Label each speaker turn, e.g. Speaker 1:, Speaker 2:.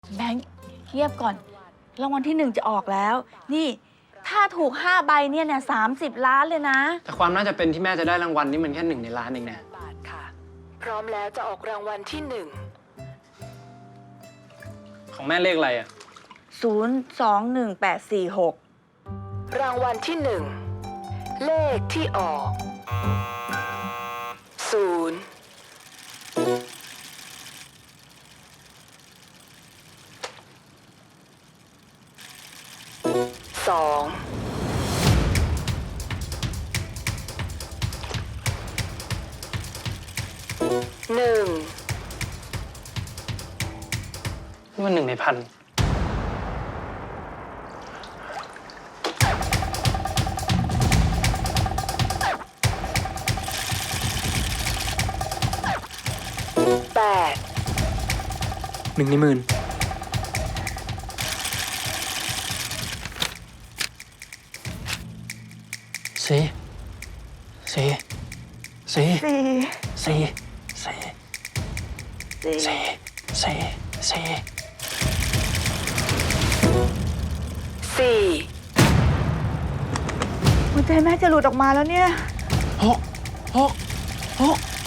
Speaker 1: แบงค์เงียบก่อนรางวัลที่1จะออกแล้ว นี่ถ้าถูก5 ใบเนี่ย30 ล้านเลยนะ
Speaker 2: แต่ความน่าจะเป็นที่แม่จะได้รางวัลนี่มันแค่1 ในล้านเองนะ
Speaker 3: บาทค่ะพร้อมแล้วจะออกรางวัลที่
Speaker 2: ของแม่เลขอะไรอ่ะ
Speaker 1: 021846
Speaker 3: 1รางวัลที่ 1เลขที่ออก0 2 1
Speaker 2: นี่มัน1 ใน 1,000
Speaker 3: 8
Speaker 2: 1 ใน 10,000สี่สี่สี่สี่สี่สี่สี่สี่
Speaker 3: 4
Speaker 1: หัวใจแม่จะหลุดออกมาแล้วเนี่ย
Speaker 2: หก